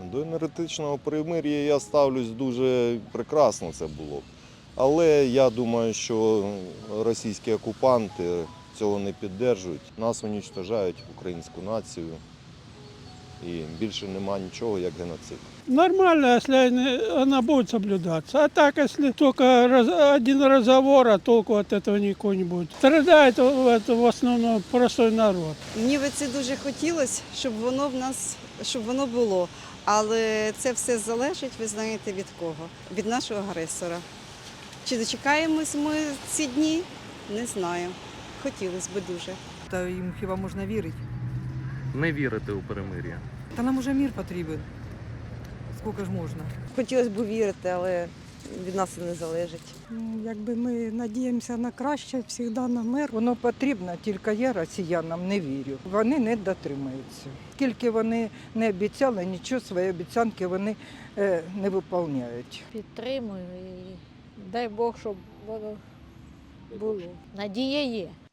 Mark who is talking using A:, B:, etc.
A: До енергетичного перемир'я я ставлюсь дуже прекрасно, це було б. Але я думаю, що російські окупанти цього не підтримують. Нас уничтожають, українську націю. І більше нема нічого, як геноцид.
B: Нормально, если она будет соблюдаться. А так, если только один разговор, а толку от этого никакого не будет. Страдает в основном простой народ.
C: Мені би це дуже хотілося, щоб воно було. Але це все залежить, ви знаєте, від кого? Від нашого агресора. Чи дочекаємось ми ці дні? Не знаю. Хотілося б дуже.
D: Та їм хіба можна вірити?
E: Не вірити у перемир'я.
D: Та нам уже мір потрібен. Скільки ж можна?
F: Хотілося б вірити, але від нас це не залежить.
G: Якби ми надіємося на краще, завжди на мир.
H: Воно потрібно, тільки я росіянам не вірю. Вони не дотримуються. Скільки вони не обіцяли, нічого свої обіцянки вони не виконують.
I: Підтримую і дай Бог, щоб воно було. Надія є.